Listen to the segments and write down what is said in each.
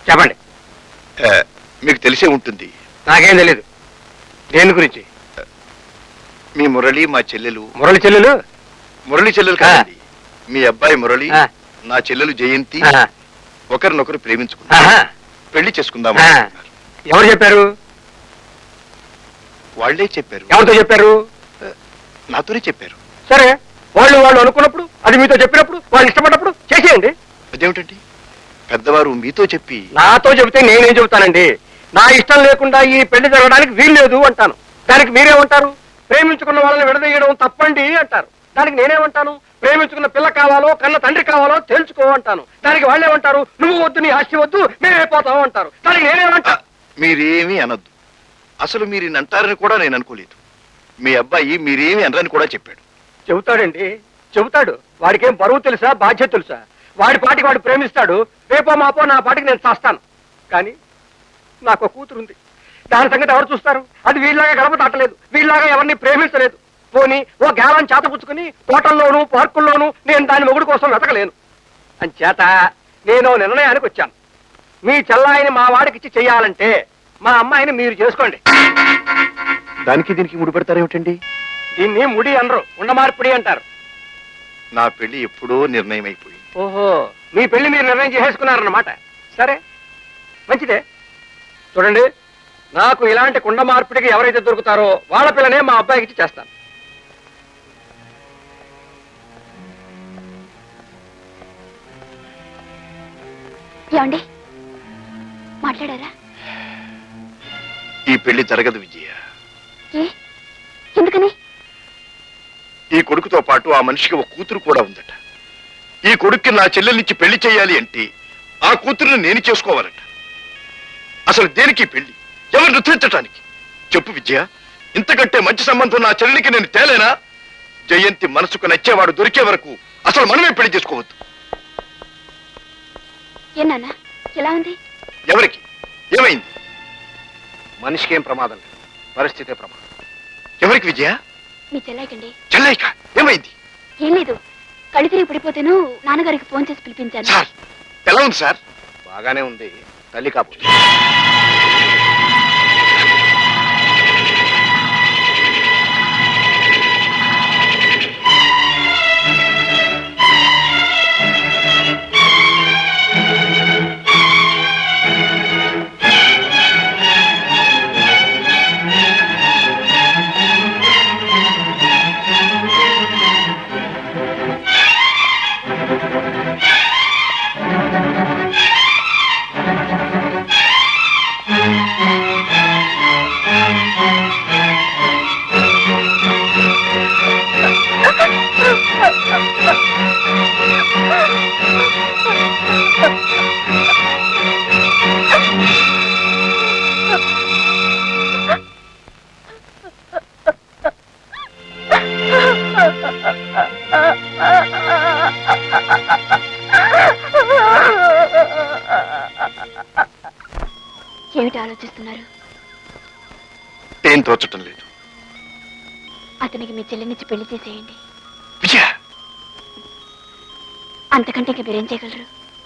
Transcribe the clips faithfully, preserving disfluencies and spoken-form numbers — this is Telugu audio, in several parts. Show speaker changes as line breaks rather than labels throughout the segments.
చెప్పండి.
మీకు తెలిసే ఉంటుంది.
నాకేం తెలియదు. దేని గురించి?
మీ మురళి మా చెల్లెలు.
మురళి చెల్లెలు?
మురళి చెల్లెలు కాదండి, మీ అబ్బాయి మురళి నా చెల్లెలు జయంతి ఒకరినొకరు ప్రేమించుకున్నారు, పెళ్లి చేసుకుందాం.
ఎవరు చెప్పారు?
వాళ్లే చెప్పారు.
ఎవరితో చెప్పారు?
నాతోనే చెప్పారు.
సరే, వాళ్ళు వాళ్ళు అనుకున్నప్పుడు, అది మీతో చెప్పినప్పుడు, వాళ్ళు ఇష్టపడినప్పుడు చేసేయండి.
అదేమిటండి, పెద్దవారు మీతో చెప్పి
నాతో చెబితే నేనేం చెబుతానండి? నా ఇష్టం లేకుండా ఈ పెళ్లి జరగడానికి వీల్లేదు అంటాను. దానికి మీరేమంటారు? ప్రేమించుకున్న వాళ్ళని విడదీయడం తప్పండి అంటారు. దానికి నేనేమంటాను? ప్రేమించుకున్న పిల్ల కావాలో కన్న తండ్రి కావాలో తెలుసుకో అంటాను. దానికి వాళ్ళేమంటారు? నువ్వు వద్దు, నీ ఆస్తి వద్దు, మేమైపోతావు అంటారు. దానికి నేనేమంటా?
మీరేమీ అనొద్దు. అసలు మీరు అంటారని కూడా నేను అనుకోలేదు. మీ అబ్బాయి మీరేమీ అనరని కూడా చెప్పాడు.
చెబుతాడండి, చెబుతాడు. వాడికేం బరువు తెలుసా, బాధ్యత తెలుసా? వాడి పాటికి వాడు ప్రేమిస్తాడు. రేపో మాపో నా పాటికి నేను చేస్తాను. కానీ నాకు ఒక కూతురుంది. దాని సంగతి ఎవరు చూస్తారు? అది వీళ్ళలాగా గడప దాటలేదు, వీళ్ళలాగా ఎవరిని ప్రేమించలేదు. పోనీ ఓ గేలాన్ని చేతపుచ్చుకుని తోటల్లోనూ పార్కుల్లోనూ నేను దాని మొగుడు కోసం వెతకలేను. అంచేత నేను నిర్ణయానికి వచ్చాను. మీ చెల్లాయిని మా వాడికిచ్చి చెయ్యాలంటే మా అమ్మాయిని మీరు చేసుకోండి.
దానికి దీనికి ముడి పెడతారేమిటండి?
దీన్ని ముడి అనరు, ఉండమార్పిడి అంటారు.
నా పెళ్లి ఎప్పుడో నిర్ణయం అయిపోయింది.
ఓహో, మీ పెళ్లి మీరు నిర్ణయం చేసేసుకున్నారన్నమాట. సరే, మంచిదే. చూడండి, నాకు ఇలాంటి కుండ మార్పిడికి ఎవరైతే దొరుకుతారో వాళ్ళ పిల్లనే మా అబ్బాయికి ఇచ్చి చేస్తాను.
ఏమండి, మాట్లాడారా?
ఈ పెళ్లి జరగదు విజయ.
ఎందుకని?
ఈ కొడుకుతో పాటు ఆ మనిషికి ఒక కూతురు కూడా ఉందట. ఈ కొడుక్కి నా చెల్లెల్నిచ్చి పెళ్లి చేయాలి అంటే ఆ కూతురుని నేను చేసుకోవాలట. అసలు దేనికి పెళ్లి? ఎవరు నృత్యించటానికి? చెప్పు విజయ, ఇంతకంటే మంచి సంబంధం నా చెల్లెలికి నేను తేలేనా? జయంతి మనసుకు నచ్చేవాడు దొరికే వరకు అసలు మనమే పెళ్లి చేసుకోవద్దు.
ఏనా ఎలా ఉంది?
ఎవరికి ఏమైంది?
మనిషికి ఏం ప్రమాదం లేదు, పరిస్థితే ప్రమాదం.
ఎవరికి విజయ?
మీ చెల్లాయికండి.
చెల్లైక ఏమైంది?
ఏం లేదు, కళ్ళు తిరిగి పడిపోతేను నాన్నగారికి ఫోన్ చేసి పిలిపించాను.
సార్, ఎలా ఉంది సార్?
బాగానే ఉంది, తల్లి కాపు.
ఏమిటి ఆలోచిస్తున్నారు?
ఏం తోచటం లేదు.
అతనికి మీ చెల్లినిచ్చి పెళ్లి చేసేయండి.
విజయ,
అంతకంటే ఇంకా మీరేం చేయగలరు?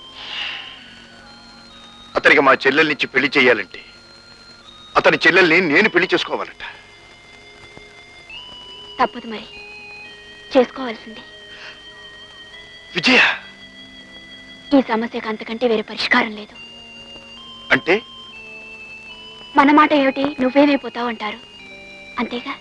అతనికి మా చెల్లెల్నిచ్చి పెళ్లి చేయాలంటే అతని చెల్లెల్ని నేను పెళ్లి చేసుకోవాలట.
తప్పదు, మరి చేసుకోవాల్సింది.
విజయ,
ఈ సమస్యకు అంతకంటే వేరే పరిష్కారం లేదు.
అంటే
మన మాట ఏమిటి, నువ్వేమైపోతావు అంటారు, అంతేగా.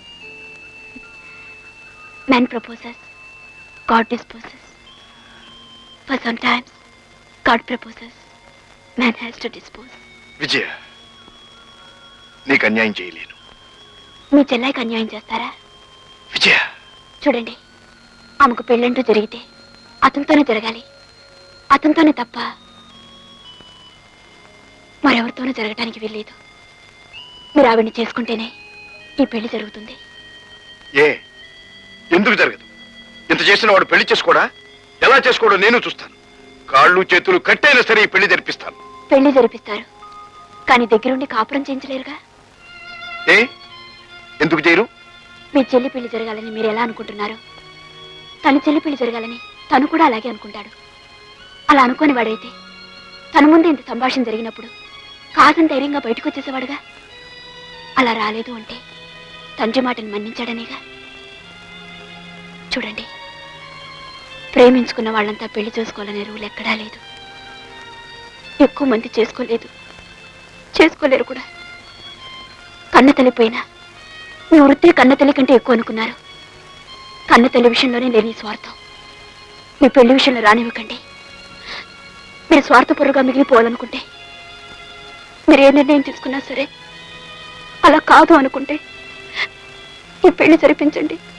Man proposes, God disposes. For some times God proposes, man has to dispose.
Vijaya, నీకు అన్యాయం చేయలేను.
మీ చెల్లాయికి అన్యాయం చేస్తారా?
విజయ,
చూడండి, ఆమెకు పెళ్ళంటూ జరిగితే అతనితోనే జరగాలి. అతనితోనే తప్ప మరెవరితోనూ జరగటానికి వీల్లేదు. మీరు ఆవిడ్ని చేసుకుంటేనే ఈ పెళ్లి జరుగుతుంది.
ఏ ఎందుకు జరగదు? ఇంత చేసిన వాడు పెళ్లి చేసుకోడా? ఎలా చేసుకోడో నేను చూస్తాను. కాళ్ళు చేతులు కట్టైనా సరే ఈ పెళ్లి జరిపిస్తాను.
పెళ్లి జరిపిస్తారు, కానీ దగ్గరుండి కాపురం చేయించలేరుగా.
ఏ ఎందుకు చేయరు?
మీ చెల్లి పెళ్లి జరగాలని మీరు ఎలా అనుకుంటున్నారు? తన చెల్లి పెళ్లి జరగాలని తను కూడా అలాగే అనుకుంటాడు. అలా అనుకోని వాడైతే తన ముందే ఇంత సంభాషణ జరిగినప్పుడు కాదని ధైర్యంగా బయటకు వచ్చేసేవాడుగా. అలా రాలేదు అంటే తండ్రి మాటను మన్నించాడనేగా. చూడండి, ప్రేమించుకున్న వాళ్ళంతా పెళ్లి చేసుకోవాలనే రూల్ ఎక్కడా లేదు. ఎక్కువ మంది చేసుకోలేదు, చేసుకోలేరు కూడా. కన్న తల్లి పోయినా మీ వృత్తి కన్న తల్లి కంటే ఎక్కువ అనుకున్నారు. కన్న తల్లి విషయంలోనే లేని స్వార్థం మీ పెళ్లి విషయంలో రానివ్వకండి. మీరు స్వార్థపరుగా మిగిలిపోవాలనుకుంటే, మీరు ఏ నిర్ణయం తీసుకున్నా సరే అలా కాదు అనుకుంటే ఈ పెళ్లి జరిపించండి.